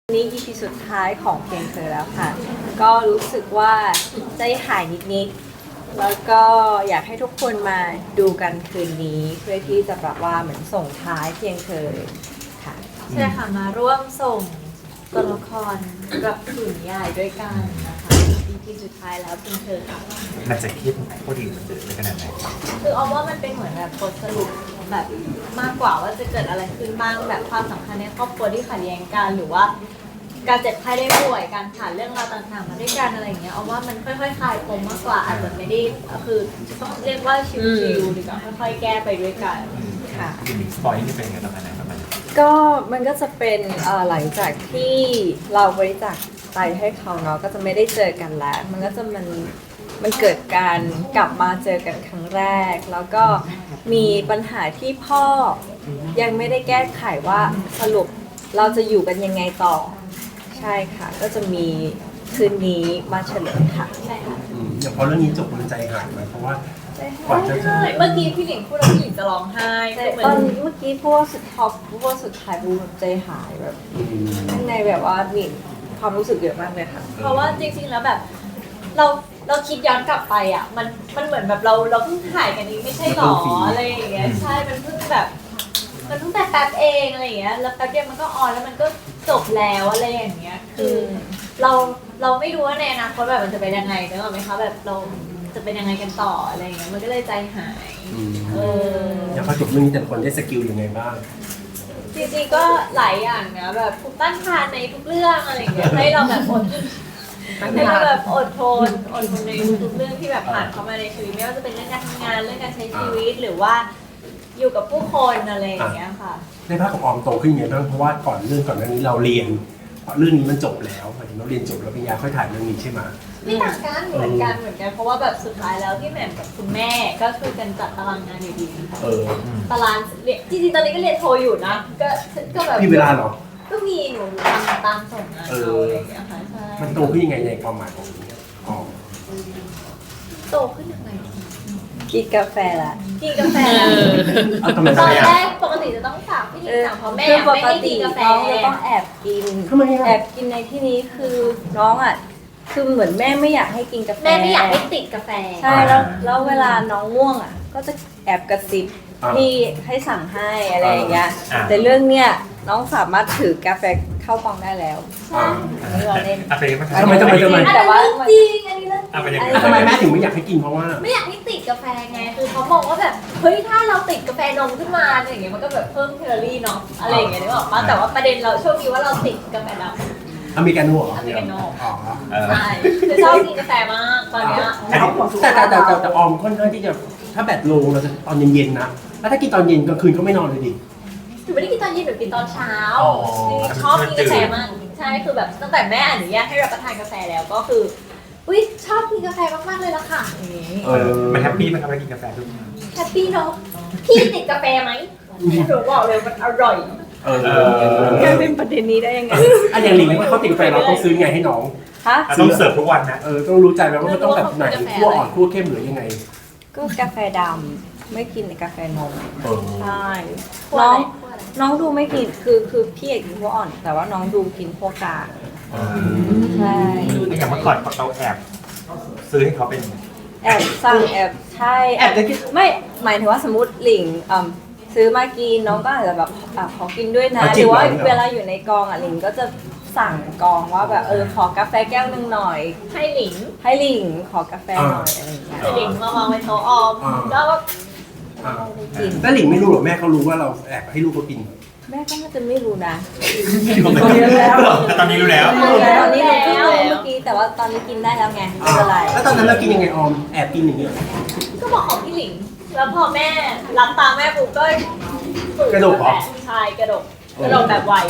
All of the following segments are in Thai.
นี่ EP สุดท้ายของเพลงเธอแล้วค่ะ ก็รู้สึกว่าใจหายนิดๆแล้วก็อยากให้ทุกคนมาดูกันคืนนี้ เพื่อที่จะแบบว่าเหมือนส่งท้ายเพลงเธอค่ะใช่ค่ะมาร่วมส่งตัวละครกับถุนยายด้วยกันนะคะ EP สุดท้ายแล้วเพลงเธอค่ะมันจะคิดพอดีมันจะเป็นขนาดไหนคือเอาว่ามันเป็นเหมือนแบบบทสรุปแบบมากกว่าว่าจะเกิดอะไรขึ้นบ้างแบบความสัมพันธ์ในครอบครัวที่ขัดแย้งกันหรือว่า การเจ็บไข้ได้ป่วยการผ่านเรื่องราวต่างๆมาด้วยกันอะไรอย่างเงี้ยเอาว่ามันค่อยๆคลายปมมากกว่าอาจจะไม่ได้คือต้องเรียกว่าชิวๆดีกว่าค่อยๆแก้ไปด้วยกันค่ะทีนี้สปอยนี่เป็นยังไงประมาณไหนประมาณไหนก็มันก็จะเป็นหลังจากที่เราบริจาคไตให้เขาเนาะก็จะไม่ได้เจอกันแล้ว มันก็จะมันเกิดการกลับมาเจอกันครั้งแรก แล้วก็มีปัญหาที่พ่อยังไม่ได้แก้ไขว่าสรุปเราจะอยู่กันยังไงต่อ ใช่ค่ะ ก็จะมีคืนนี้มาเฉลยค่ะใช่ค่ะอย่างพอเรื่องนี้จบมันใจหายไหมเพราะว่า กว่าจะใช่เมื่อกี้พี่หลิงพูดแล้วพี่หลิงจะร้องไห้แต่เหมือตอนนเมื่อกี้พูดว่าสุดท็อปพูดว่าสุดท้ายพูดแบบใจหายแบบข้างในแบบว่ามีความรู้สึกเยอะมากเลยค่ะเพราะว่าจริงๆแล้วแบบเราคิดย้อนกลับไปอ่ะมันเหมือนแบบเราเพิ่งถ่ายกันนี้ไม่ใช่หรออะไรอย่างเงี้ยใช่มันเพิ่งแบบมันเพิ่งแต่แป๊บเองอะไรอย่างเงี้ยแล้วแป๊บเดียวมันก็ออนแล้วมันก็จบแล้วอะไรอย่างเงี้ยคือเราไม่รู้ว่าในอนาคตแบบมันจะเป็นยังไงนึกออกไหมคะแบบเราจะเป็นยังไงกันต่ออะไรอย่างเงี้ยมันก็เลยใจหายเอออย่างพอจบเรื่องนี้แต่ละคนได้สกิลยังไงบ้างจริงๆก็หลายอย่างนะแบบภูมิต้านทานในทุกเรื่องอะไรอย่างเงี้ยให้เราแบบให้เราแบบอดทนในทุกๆเรื่องที่แบบผ่านเข้ามาในชีวิตไม่ว่าจะเป็นเรื่องการทำงานเรื่องการใช้ชีวิตหรือว่าอยู่กับผู้คนอะไรอย่างเงี้ยค่ะในภาคของออมโตขึ้นยังไงบ้างเพราะว่าก่อนหน้านี้เราเรียนพอเรื่องนี้มันจบแล้วหมายถึงเราเรียนจบแล้วปริญญาค่อยถ่ายเรื่องนี้ใช่ไหมไม่ต่างกันเหมือนกันเพราะว่าแบบสุดท้ายแล้วพี่แหม่มกับคุณแม่ก็ช่วยกันจัดตารางงานอยู่ดี ตารางเรียนจริงๆตอนนี้ก็เรียนโทอยู่นะก็แบบพี่เวลาเหรอก็มีหนูทำตามส่งงานเขาอะไรอย่างเงี้ยค่ะใช่มันโตขึ้นยังไงในความหมายของออมโตขึ้นยังไงกินกาแฟละกินกาแฟเอาทำไมตอนอ่ะแรกปกติจะต้องฝากพี่หลิงสั่งเพราะแม่คือปไม่กให้ติกินกาแฟน้องจะต้องแอบกินทำไมอ่ะแอบกินในที่นี้คือน้องอ่ะคือเหมือนแม่ไม่อยากให้กินกาแฟแม่ไม่อยากให้ติดกาแฟใช่แล้วเวลาน้องง่วงอ่ะก็จะแอบกระซิบที่ให้สั่งให้อะไรอย่างเงี้ยแต่เรื่องเนี้ยน้องสามารถถือกาแฟเข้ากล่องได้แล้วอ่าอันนี้เราเล่นอ่ะเป็นยังไงทำไมอันนี้เรื่องจริงอันนี้เรื่องจอ่ะเป็นริยังงไงทำไมแม่ถึงไม่อยากให้กินเพราะว่าไม่อยากให้ติดกาแฟไงคือเขาบอกว่าแบบเฮ้ยถ้าเราติดกาแฟนมขึ้นมาอะไรอย่างเงี้ยมันก็แบบเพิ่มแคลอรี่เนาะอะไรอย่างเงี้ยนึกออกปะแต่ว่าประเด็นเราโชคดีว่าเราติดกาแฟดำอเมริกาโน่เหรออเมริกาโน่อ๋อใช่คือชอบกินกาแฟมากตอนเนี้ยแต่ออมค่อนข้างที่จะถ้าแบตโลงเราจะตอนเย็นๆนะแล้วถ้ากินตอนเย็นกลางคืนก็ไม่นอนเลยดิหนูไม่ได้กินตอนเย็นหนูกินตอนเช้าอ๋อชอบกินกาแฟมากใช่คือแบบตั้งแต่แม่อนุญาตให้รับประทานกาแฟแล้วก็คืออุ้ยชอบกินกาแฟมากๆเลยละค่ะอย่างงี้มันแฮปปี้ไหมครับเวลากินกาแฟทุกวันแฮปปี้เนาะพี่ติดกาแฟไหมหนูบอกเลยมันอร่อยกลายเป็นประเด็นนี้ได้ยังไงอันอย่างหลิงว่าเขาติดกาแฟเราต้องซื้อไงให้น้องฮะต้องเสิร์ฟทุกวันนะต้องรู้ใจไหมว่ามันต้องแบบไหนคั่วอ่อนคั่วเข้มหรือยังไงก็กาแฟดำไม่กินกาแฟนมเออใช่คั่วน้อะอไรง คั่วอะไรน้องดูไม่กินคือพี่เอกกินพวกอ่อน แต่ว่าน้องดูกินพวกกลางใช่อย่างเมื่อก่อนเราแอบซื้อให้เขาเป็นแอบสั่งแอบใช่แอบจะกินไม่หมายถึงว่าสมมติหลิงซื้อมากินน้องก็อาจจะแบบขอกินด้วยนะหรือว่าเวลาอยู่ในกองหลิงก็จะสั่งกองว่าแบบขอกาแฟแก้วนึงหน่อยให้หลิงให้หลิงขอกาแฟหน่อยอะไรอย่างเงี้ยให้หลิงมาวางไว้โต๊ะออมแล้วก็อ่ากินแล้วหลิงไม่รู้หรอแม่เขารู้ว่าเราแอบให้ลูกเขากินแม่ก็น่าจะไม่รู้นะแต่ตอนนี้รู้แล้วตอนนี้เราเพิ่งรู้เมื่อกี้แต่ว่าตอนนี้กินได้แล้วไงไม่เป็นไรแล้วตอนนั้นเรากินยังไงออมแอบกินอย่างนี้ก็บอกของพี่หลิง แล้วพอแม่รับตามแม่ปุ๊บก็กระโดดเหรอใช่กระโดดแบบไว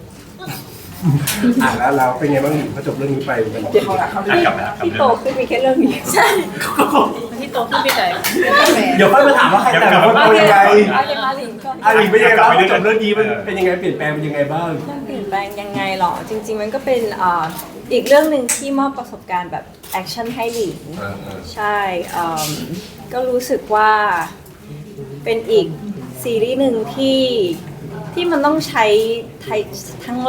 แล้วเราเป็นไงบ้างหลิงพอจบเรื่องนี้ไปมันกลับมาที่โตขึ้นมีแค่เรื่องนี้ใช่ที่โตขึ้นไปไหนเดี๋ยวค่อยมาถามว่าใครแต่ละคนเป็นยังไงเอาเลยมาหลิงก็หลิงเป็นยังไงบ้างพอจบเรื่องนี้มันเป็นยังไงเปลี่ยนแปลงเป็นยังไงบ้างเรื่องเปลี่ยนแปลงยังไงหรอ จริง ๆ มันก็เป็นอีกเรื่องหนึ่งที่มอบประสบการณ์แบบแอคชั่นให้หลิงใช่ก็รู้สึกว่าเป็นอีกซีรีส์หนึ่งที่มันต้องใช้ทั้งแรง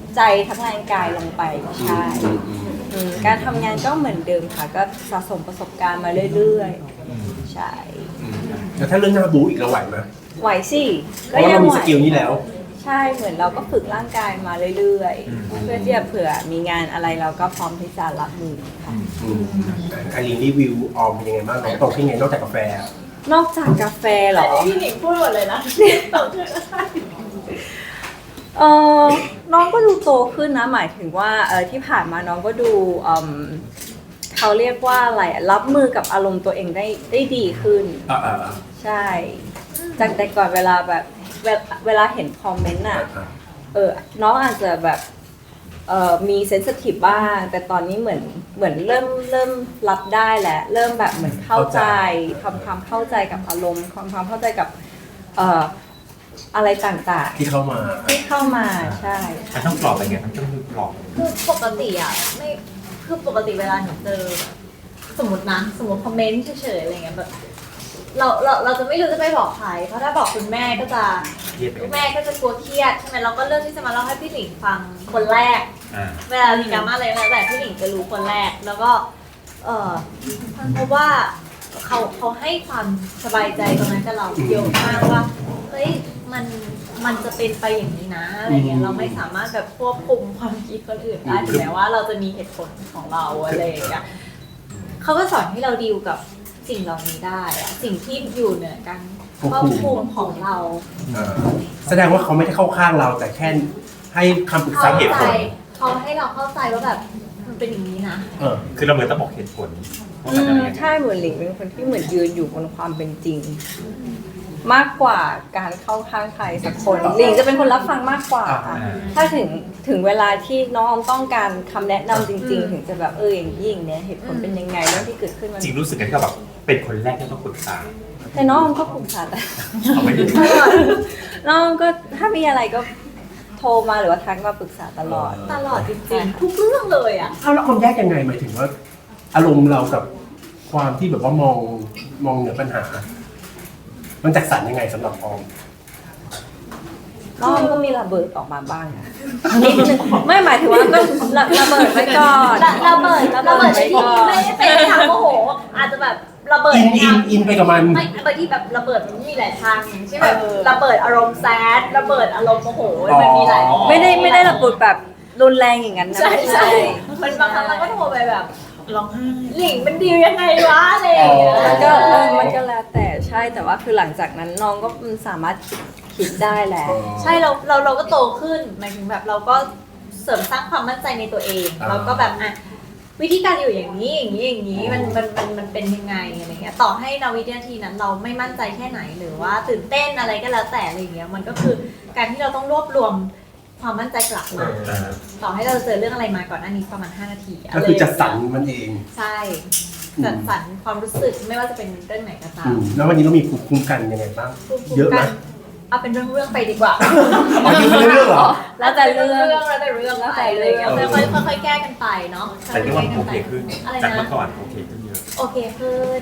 ใจทั้งแรงกายลงไปใช่การทำงานก็เหมือนเดิมค่ะก็สะสมประสบการณ์มาเรื่อยๆใช่แล้วถ้าเรื่องหน้าบู๊อีกเราไหวไหมไหวสิเพราะว่าเรามีสกิลนี้แล้วใช่เหมือนเราก็ฝึกร่างกายมาเรื่อยๆ เพื่อที่จะเผื่อมีงานอะไรเราก็พร้อมที่จะรับมือค่ะอารีรีวิวออมเป็นยังไงบ้างเราโตขึ้นไงนอกจากกาแฟนอกจากกาแฟเหรอพี่หนิงพูดหมดเลยนะต่อขึ้นเออน้องก็ดูโตขึ้นนะหมายถึงว่าที่ผ่านมาน้องก็ดูเขาเรียกว่าอะไรอะรับมือกับอารมณ์ตัวเองได้ดีขึ้น ใช่ จากแต่ก่อนเวลาแบบเวลาเห็นคอมเมนต์อ่ะน้องอาจจะแบบมีเซนซิทีฟบ้างแต่ตอนนี้เหมือนเริ่มรับได้แหละเริ่มแบบเหมือนเข้าใจทำความเข้าใจกับอารมณ์ความเข้าใจกับอะไรต่างๆที่เข้ามาใช่มันต้องปลอบอะไรเงี้ยมันต้องปลอบคือปกติอ่ะไม่คือปกติเวลาหนูเจอสมมติคอมเมนต์เฉยๆอะไรเงี้ยแบบเราจะไม่รู้จะไปบอกใครเพราะถ้าบอกคุณแม่ก็จะคุณแม่ก็จะกลัวเครียดใช่ไหมเราก็เลือกที่จะมาเล่าให้พี่หลิงฟังคนแรกเวลามีดราม่าอะไรแล้วแต่พี่หลิงจะรู้คนแรกแล้วก็เพราะว่าเขาให้ความสบายใจตรงนั้นกับเราเยอะมากว่าเฮ้ยมันจะเป็นไปอย่างนี้นะอะไรเงี้ยเราไม่สามารถแบบควบคุมความคิดคนอื่นได้ถึงแม้ว่าเราจะมีเหตุผลของเราอะไรอย่างเงี้ยเขาก็สอนให้เราดีลกับสิ่งเหล่านี้ได้อะสิ่งที่อยู่เหนือการควบคุมของเราแสดงว่าเขาไม่ได้เข้าข้างเราแต่แค่ให้คำปรึกษาเหตุผลเขาให้เราเข้าใจว่าแบบมันเป็นอย่างนี้นะคือเราเหมือนต้องบอกเหตุผลใช่เหมือนหลิงเป็นคนที่เหมือนยืนอยู่บนความเป็นจริง มากกว่าการเข้าข้างใครสักคนหลิงจะเป็นคนรับฟังมากกว่าค่ะถ้าถึงเวลาที่น้องต้องการคำแนะนำจริงๆ ถึงจะแบบอย่างยิ่งเนี่ยเหตุผลเป็นยังไงเรื่องที่เกิดขึ้นมันจริงรู้สึกกันก็แบบเป็นคนแรกที่ต้องปรึกษาแต่น้องก็ปรึกษาแต่เอาไม่ได้น้องก็ถ้ามีอะไรก็โทรมาหรือว่าทักมาปรึกษาตลอดจริงๆทุกเรื่องเลยอ่ะแล้วคนแยกยังไงหมายถึงว่า อารมณ์เรากับความที่แบบว่ามองเหนือปัญหา มันจัดสรรยังไงสำหรับออมน้องก็มีระเบิดออกมาบ้างนะนิดนึงไม่หมายถึงว่าก็ระเบิดไว้ก่อนระเบิดในที่ไม่ได้เป็นทางโมโหอาจจะแบบระเบิดอินไปกับมันไม่บางทีแบบระเบิดมันมีหลายทางอย่างเช่นแบบระเบิดอารมณ์แซดระเบิดอารมณ์โมโหมันมีหลายไม่ได้ระเบิดแบบรุนแรงอย่างนั้นนะใช่มันบางครั้งเราก็โทรไปแบบร้องไห้หลิงมันดียังไงวะอะไรอย่างเงี้ยมันก็แล้วแต่ใช่แต่ว่าคือหลังจากนั้นน้องก็สามารถคิดได้แล้วใช่เราก็โตขึ้นหมายถึงแบบเราก็เสริมสร้างความมั่นใจในตัวเองเราก็แบบวิธีการอยู่อย่างนี้มันเป็นยังไงอะไรเงี้ยต่อให้ในวินาทีนั้นเราไม่มั่นใจแค่ไหนหรือว่าตื่นเต้นอะไรก็แล้วแต่อะไรเงี้ยมันก็คือการที่เราต้องรวบรวมความมั่นใจกลับมาต่อให้เราเจอเรื่องอะไรมาก่อนหน้านี้ประมาณ5 นาทีก็คือจัดสรรมันเองใช่จัดสรรความรู้สึกไม่ว่าจะเป็นเรื่องไหนก็ตามแล้ววันนี้เรามีภูมิคุ้มกันยังไงบ้างเยอะไหมเอาเป็นเรื่องไปดีกว่าอ๋ออยู่เรื่องเหรอแล้วแต่เรื่องแล้วแต่เรื่องไปค่อยๆแก้กันไปเนาะแต่ที่ว่าโอเคขึ้นอะไรจากนะเมื่อก่อนโอเคขึ้นเยอะโอเคขึ้น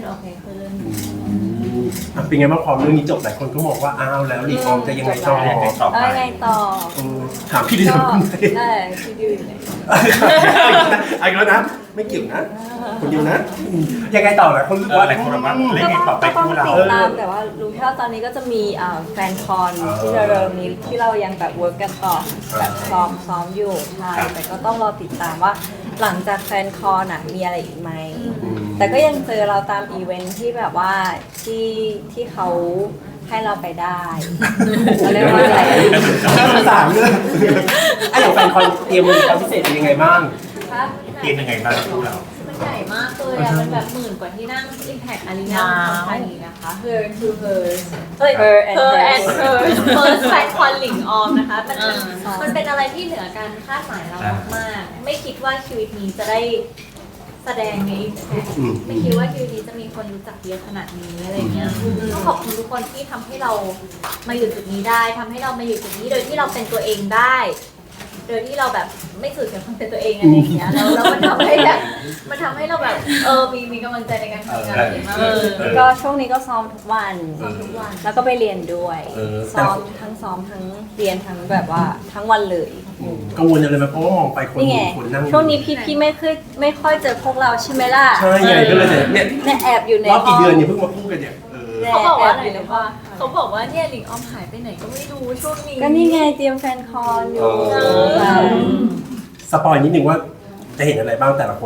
เป็นไงบ้างพอเรื่องนี้จบหลายคนก็มองว่าอ้าวแล้วหลีกออมจะยังไงต่อยังไงต่อไปไงต่อถามพี่ดิก็คุณได้พี่ดิวอยู่ไหนอีกแล้วนะไม่เกี่ยวนะคนเดียวนะยังไงต่อหลายคนรู้ว่าหลายคนบอกว่าเล่นไงต่อไปก็ต้องคู่เราติดตามแต่ว่ารู้แค่ว่าตอนนี้ก็จะมีแฟนคอนที่เร็วๆนี้ที่เรายังแบบเวิร์กกันต่อแบบซ้อมอยู่ใช่แต่ก็ต้องรอติดตามว่าหลังจากแฟนคอนมีอะไรอีกไหมแต่ก็ยังเจอเราตามอีเวนท์ที่แบบว่าที่เขาให้เราไปได้เขาเรียกว่าอะไรสามเรื่องอย่างแฟนคอนเตรียมความพิเศษเป็นยังไงบ้างคะเตรียมยังไงบ้างคู่เรามันใหญ่มากเลยอะมันแบบ10,000 กว่าที่นั่ง Impact Arena ของไทยนะคะ Her to Hers Her and Her and Hers Hers First Fan Con หลิงออมนะคะมันเป็นอะไรที่เหนือการคาดหมายเรามากๆไม่คิดว่าชีวิตนี้จะได้แสดงใน Impact ไม่คิดว่าชีวิตนี้จะมีคนรู้จักเยอะขนาดนี้อะไรเงี้ยต้องขอบคุณทุกคนที่ทำให้เรามาอยู่จุดนี้ได้ทำให้เรามาอยู่จุดนี้โดยที่เราเป็นตัวเองได้โดยที่เราแบบไม่สูญเสียความเป็นตัวเองอะไรอย่างเงี้ยแล้วมันทำให้แบบมันทำให้เราแบบมีกำลังใจในการทำงานเก่งมากเลยก็ช่วงนี้ก็ซ้อมทุกวันซ้อมทุกวันแล้วก็ไปเรียนด้วยแต่ซ้อมทั้งเรียนทั้งแบบว่าทั้งวันเลยกังวลอะไรไหมเพราะว่ามองไปคนนี่ไงคนนั่งช่วงนี้พี่ไม่ค่อยเจอพวกเราใช่ไหมล่ะใช่ไงก็เลยเนี่ยเนี่ยแอบอยู่ในรอบกี่ห้งเดือนเนี่ยเพิ่งมาพูดกันเนี่ยเขาบอกว่าอะไรแบยู่ในนะห้อว่าง เขาบอกว่าเนี่ยหลิงออมหายไปไหนก็ไม่รู้ช่วงนี้ก็นี่ไงเตรียมแฟนคอนอยู่ค่ะสปอยนิดนึงว่าจะเห็นอะไรบ้างแต่ละคน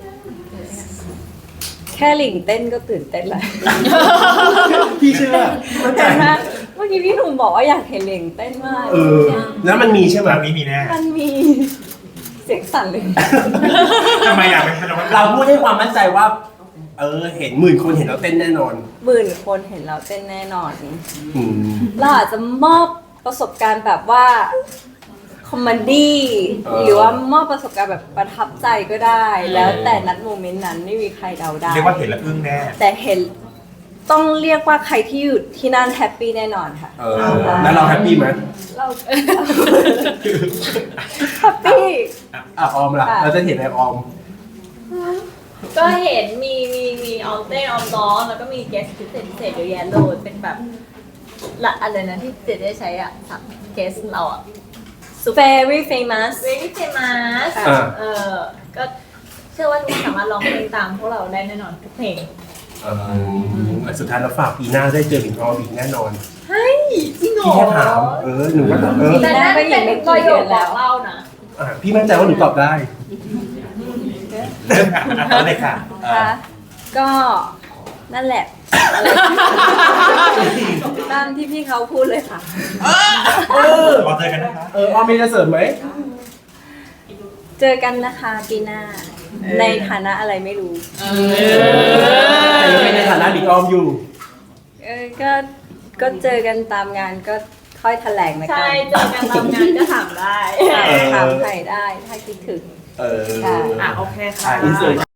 แค่หลิงเต้นก็ตื่นเต้นแล้วพี่เชื่อมั่นใจเห็นไหมเมื่อกี้พี่หนุ่มบอกว่าอยากเห็นหลิงเต้นมากแล้วมันมีใช่ไหมครั้งนี้มีแน่มันมีเสียงสั่นเลยทำไมอยากเป็นพนักงานเราพูดให้ความมั่นใจว่า เห็น10,000 คนเห็นเราเต้นแน่นอน 10,000 คนเห็นเราเต้นแน่นอนอืมเราอาจจะมอบประสบการณ์แบบว่าคอมเมดี้เออหรือว่ามอบประสบการณ์แบบประทับใจก็ได้ แล้วแต่นัดโมเมนต์นั้นไม่มีใครเดาได้เรียกว่าเห็นแล้วอึ้งแน่แต่เห็นต้องเรียกว่าใครที่อยู่ที่นั่นแฮปปี้แน่นอนค่ะแล้วเราแฮปปี้ไหมเราแฮปปี้ออมล่ะค่ะเราจะเห็นอะไรออมก็เห็นมีออมเต้นออมร้องแล้วก็มีเกสพิเศษเยอะแยะเลยเป็นแบบละอะไรนะที่เจได้ใช้อ่ะเกสเราอ่ะ very famous very famous อ่าก็เชื่อว่าทุกคนสามารถร้องเพลงตามพวกเราได้แน่นอนทุกเพลงสุดท้ายเราฝากปีหน้าได้เจอหลิงออมอีกแน่นอนเฮ้ยจริงเหรพี่อแค่ถามหนูก็ตอบแต่นั่นเป็นประโยคบอกเล่านะพี่มั่นใจว่าหนูตอบได้เอาเลยค่ะค่ะก็นั่นแหละตามที่พี่เขาพูดเลยค่ะรอเจอกันนะคะออมมีจะเสริมไหมเจอกันนะคะปีหน้า ในฐานะอะไรไม่รู้แต่ยังเป็นในฐานะหลิงออมอยู่ก็เจอกันตามงานก็ค่อยแถลงนะกัใช่นเจอกันตามงานก็ถามได้ถามใครได้ถ้าคิดถึงเออค่ะโอเคค่ะอินเสิร์ต